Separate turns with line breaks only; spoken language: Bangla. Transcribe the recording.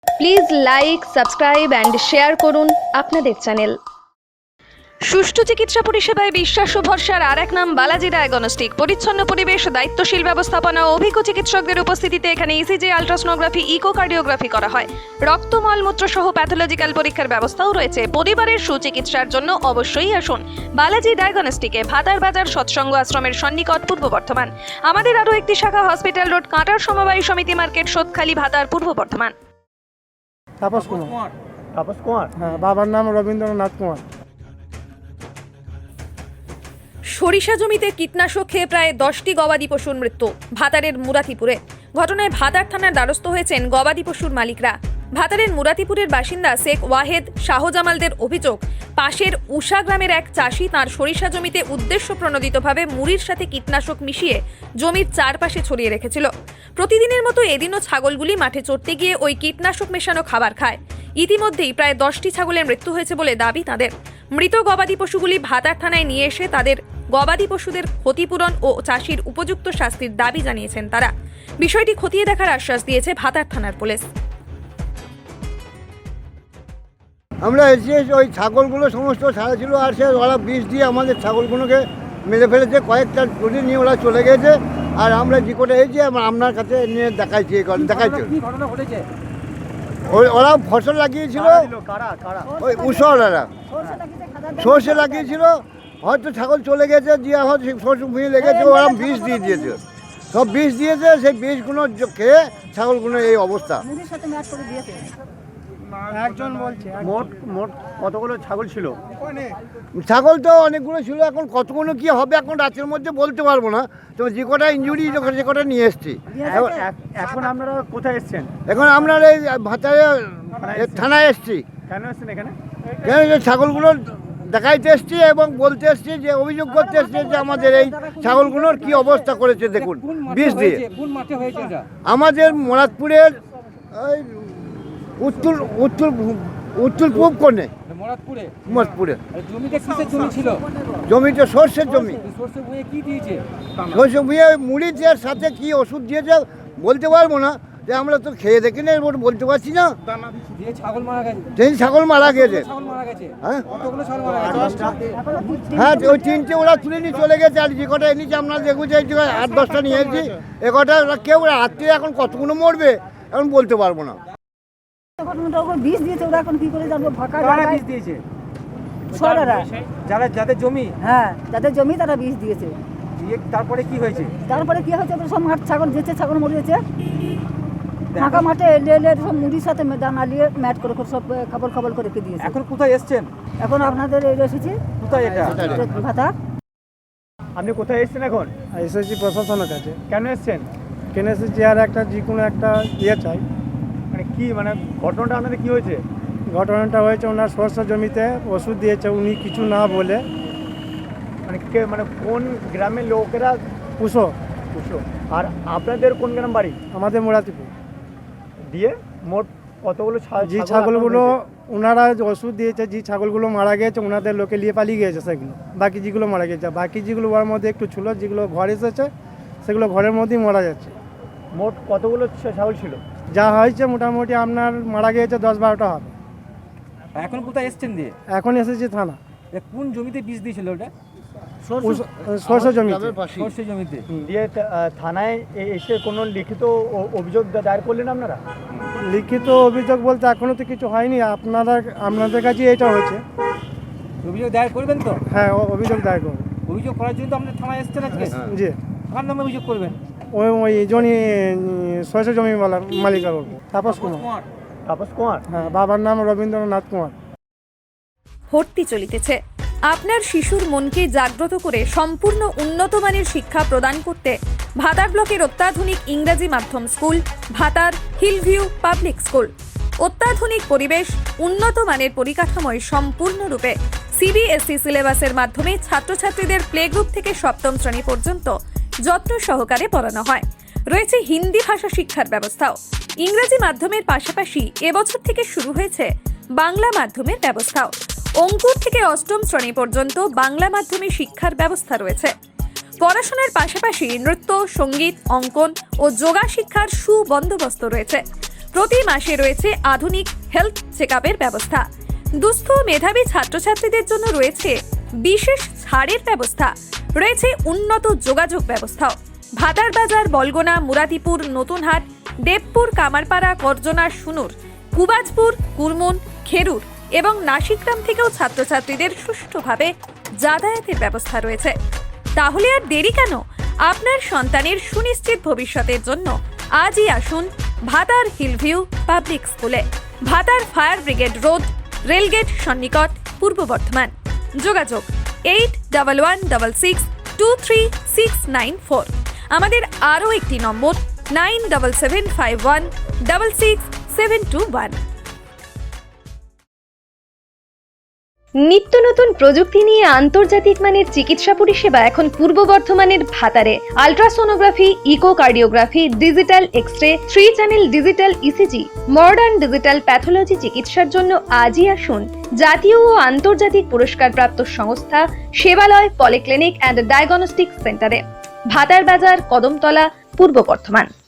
Please like, subscribe and share করুন আপনাদের চ্যানেল। সুষ্ঠু চিকিৎসা পরিষেবায় বিশ্বাস ও ভরসার আর এক নাম বালাজি ডায়াগনস্টিক। পরিচ্ছন্ন পরিবেশ, দায়িত্বশীল ব্যবস্থাপনা ও অভিজ্ঞ চিকিৎসকদের উপস্থিতিতে এখানে ইসিজি, আলট্রাসোনোগ্রাফি, ইকোকার্ডিওগ্রাফি করা হয়। রক্ত, মলমূত্র সহ প্যাথোলজিক্যাল পরীক্ষার ব্যবস্থাও রয়েছে। পরিবারের সুচিকিৎসার জন্য অবশ্যই আসুন বালাজি ডায়াগনস্টিকে, ভাতার বাজার, সৎসঙ্গ আশ্রমের সন্নিকট, পূর্ব বর্ধমান। আমাদের আরও একটি শাখা হসপিটাল রোড, কাঁটার সমবায় সমিতি মার্কেট, সোদখালি, ভাতার, পূর্ব বর্ধমান।
তাপস কুমার।
তাপস কুমার।
হ্যাঁ, বাবার নাম রবীন্দ্রনাথ কুমার।
সরিষা জমিতে কীটনাশক খেয়ে প্রায় 10টি গবাদি পশুর মৃত্যু ভাতারের মুরাতিপুরে। ঘটনায় ভাতার থানার দ্বারস্থ হয়েছেন গবাদি পশুর মালিকরা। ভাতারের মুরাতিপুরের বাসিন্দা শেখ ওয়াহেদ শাহজামালদের অভিযোগ, পাশের উষা গ্রামের এক চাষি তাঁর সরিষা জমিতে উদ্দেশ্য প্রণোদিতভাবে মুড়ির সাথে কীটনাশক মিশিয়ে জমির চারপাশে ছড়িয়ে রেখেছিল। প্রতিদিনের মতো এদিনও ছাগলগুলি মাঠে চড়তে গিয়ে ওই কীটনাশক মেশানো খাবার খায়। ইতিমধ্যেই প্রায় 10টি ছাগলের মৃত্যু হয়েছে বলে দাবি তাদের। মৃত গবাদি পশুগুলি ভাতার থানায় নিয়ে এসে তাদের গবাদি পশুদের ক্ষতিপূরণ ও চাষির উপযুক্ত শাস্তির দাবি জানিয়েছেন তারা। বিষয়টি খতিয়ে দেখার আশ্বাস দিয়েছে ভাতার থানার পুলিশ।
আমরা এসে ওই ছাগলগুলো সমস্ত ছাড়া ছিল, আর সে ওরা বিষ দিয়ে আমাদের ছাগলগুলোকে মেরে ফেলেছে। কয়েকটা গরু নিয়ে ওরা চলে গেছে, আর আমরা যে করে এসেছি আপনার কাছে নিয়ে দেখাইছি। ওরা ফসল লাগিয়েছিল, ওই উষরা সর্ষে লাগিয়েছিল, হয়তো ছাগল চলে গেছে, দিয়ে হয়তো সর্ষে ভুঁয়ে লেগেছে, ওরা বিষ দিয়ে দিয়েছে। সব বিষ দিয়েছে, সেই বিষগুলো খেয়ে ছাগলগুলো এই অবস্থা।
একজন বলছে
মোট কতগুলো ছাগল ছিল? ছাগল তো অনেকগুলো ছিল, এখন কতগুলো কি হবে এখন রাতের মধ্যে বলতে পারবো না। তো যে কটা ইনজুরি যে কটা নিয়ে এসছি।
এখন আপনারা কোথায় এসেছেন?
এখন আমরা এই ভাতারে থানায় এসছি।
কেন এসেছেন এখানে?
কেন যে ছাগলগুলো দেখাইতে এসছি এবং বলতে এসছি, যে অভিযোগ করতে এসছি যে আমাদের এই ছাগলগুলোর কি অবস্থা করেছে দেখুন বিষ দিয়ে। আমাদের মোরাদপুরের ওই উত্তর উত্তর উত্তর পূব কোণে মোরাদপুরে জমিতে সর্ষের জমি। সর্ষে ভুঁয়ে মুড়ি দিয়ে সাথে কি ওষুধ দিয়েছে বলতে পারবো না, যে আমরা তো খেয়ে দেখি না, বলতে পারছি না। সেই ছাগল মারা গেছে। হ্যাঁ, ওই 3টে ওরা তুলে নিয়ে চলে গেছে, আর যে কটা এনেছে আমরা দেখেছি 8-10টা নিয়ে এসেছি। এ কটা কেউ রাত্রে এখন কতগুলো মরবে এখন বলতে পারবো না।
বিষ দিয়েছে, ওরা এখন কি করে জানবো? ফাঁকা
বিষ দিয়েছে
যাদের জমি, হ্যাঁ যাদের জমি তারা বিষ দিয়েছে।
তারপরে কি হয়েছে?
তারপরে কি হয়েছে? সব মাঠ ছাগল যেছে, ছাগল মরে গেছে। ফাঁকা মাঠে এলে সব মুড়ির সাথে দানা নিয়ে ম্যাট করে সব খাবার করে রেখে দিয়েছে।
এখন কোথায় এসছেন?
এখন আপনাদের এসেছি।
কোথায় এটা?
ভাতা।
আপনি কোথায় এসছেন এখন?
এসেছি প্রশাসনের কাছে।
কেন এসছেন?
কেন এসেছি আর একটা যে কোনো একটা চাই।
মানে কি, মানে ঘটনাটা আপনাদের কি হয়েছে?
ঘটনাটা হয়েছে ওনার সরষে জমিতে ওষুধ দিয়েছে, উনি কিছু না বলে।
মানে কে, মানে কোন গ্রামের লোকেরা?
পুষো।
আর আপনাদের কোন গ্রাম বাড়ি?
আমাদের মোরাতিপুর।
দিয়ে মোট কতগুলো
যে ছাগলগুলো ওনারা ওষুধ দিয়েছে, যে ছাগলগুলো মারা গেছে ওনাদের লোকে নিয়ে পালিয়ে গিয়েছে সেগুলো। বাকি যেগুলো মারা গেছে, বাকি যেগুলো ওর মধ্যে একটু ছিল, যেগুলো ঘর এসেছে সেগুলো ঘরের মধ্যেই মারা যাচ্ছে।
মোট কতগুলো ছাগল ছিল?
যা হয়েছে মোটামুটি আপনার মারা গিয়েছে 10-12টা হবে।
এখন কোথায় এসছেন দিয়ে?
এখন এসেছি থানা।
কোন জমিতে বীজ দিয়েছিল ওটা?
সরষে জমিতে।
সরষে জমিতে।
দিয়ে থানায় এসে কোনো লিখিত অভিযোগ দায়ের করলেন আপনারা?
লিখিত অভিযোগ বলতে এখনো তো কিছু হয়নি, আপনাদের কাছে এটা হয়েছে।
অভিযোগ দায়ের করবেন তো?
হ্যাঁ, অভিযোগ দায়ের করবেন।
অভিযোগ করার জন্য তো আপনার থানায় এসছেন আজকে?
জি।
কার নামে অভিযোগ করবেন?
ওই জমি সরষে জমি মালিকের বলবো। তাপস কুমার। হ্যাঁ, বাবার নাম রবীন্দ্রনাথ কুমার।
ভর্তি চলিতেছে। আপনার শিশুর মনকে জাগ্রত করে সম্পূর্ণ উন্নত মানের শিক্ষা প্রদান করতে ভাতার ব্লকের অত্যাধুনিক ইংরাজি মাধ্যম স্কুল ভাতার হিলভিউ পাবলিক স্কুল। অত্যাধুনিক পরিবেশ, উন্নত মানের পরিকাঠামোয় সম্পূর্ণরূপে সিবিএসই সিলেবাসের মাধ্যমে ছাত্রছাত্রীদের প্লে গ্রুপ থেকে 7ম শ্রেণী পর্যন্ত যত্ন সহকারে পড়ানো হয়। রয়েছে হিন্দি ভাষা শিক্ষার ব্যবস্থাও। ইংরেজি মাধ্যমের পাশাপাশি এবছর থেকে শুরু হয়েছে বাংলা মাধ্যমের ব্যবস্থাও। অঙ্কুর থেকে 8ম শ্রেণী পর্যন্ত বাংলা মাধ্যমে শিক্ষার ব্যবস্থা রয়েছে। পড়াশোনার পাশাপাশি নৃত্য, সঙ্গীত, অঙ্কন ও যোগা শিক্ষার সুবন্দোবস্ত রয়েছে। প্রতি মাসে রয়েছে আধুনিক হেলথ চেকআপের ব্যবস্থা। দুস্থ মেধাবী ছাত্রছাত্রীদের জন্য রয়েছে বিশেষ ছাড়ের ব্যবস্থা, রয়েছে উন্নত যোগাযোগ ব্যবস্থাও। ভাতার বাজার, বলগোনা, মুরাতিপুর, নতুনহাট, দেবপুর, কামারপাড়া, করজনা, সুনুর, কুবাজপুর, কুরমুন, খেরুর এবং নাসিকগ্রাম থেকেও ছাত্রছাত্রীদের সুষ্ঠুভাবে যাতায়াতের ব্যবস্থা রয়েছে। তাহলে আর দেরি কেন? আপনার সন্তানের সুনিশ্চিত ভবিষ্যতের জন্য আজই আসুন ভাতার হিলভিউ পাবলিক স্কুলে, Bhatar fire brigade road, rail gate সন্নিকট, পূর্ব বর্ধমান। যোগাযোগ 8166233694। আমাদের আরও একটি নম্বর 9775166721।
নিত্য নতুন প্রযুক্তি নিয়ে আন্তর্জাতিক মানের চিকিৎসা পরিষেবা এখন পূর্ব বর্ধমানের ভাতারে। Ultrasonography, echocardiography, digital X-ray, 3 channel digital ECG, modern digital pathology চিকিৎসার জন্য আজই আসুন জাতীয় ও আন্তর্জাতিক পুরস্কারপ্রাপ্ত সংস্থা সেবালয় পলিক্লিনিক অ্যান্ড ডায়াগনস্টিক সেন্টারে, ভাতার বাজার, কদমতলা, পূর্ব বর্ধমান।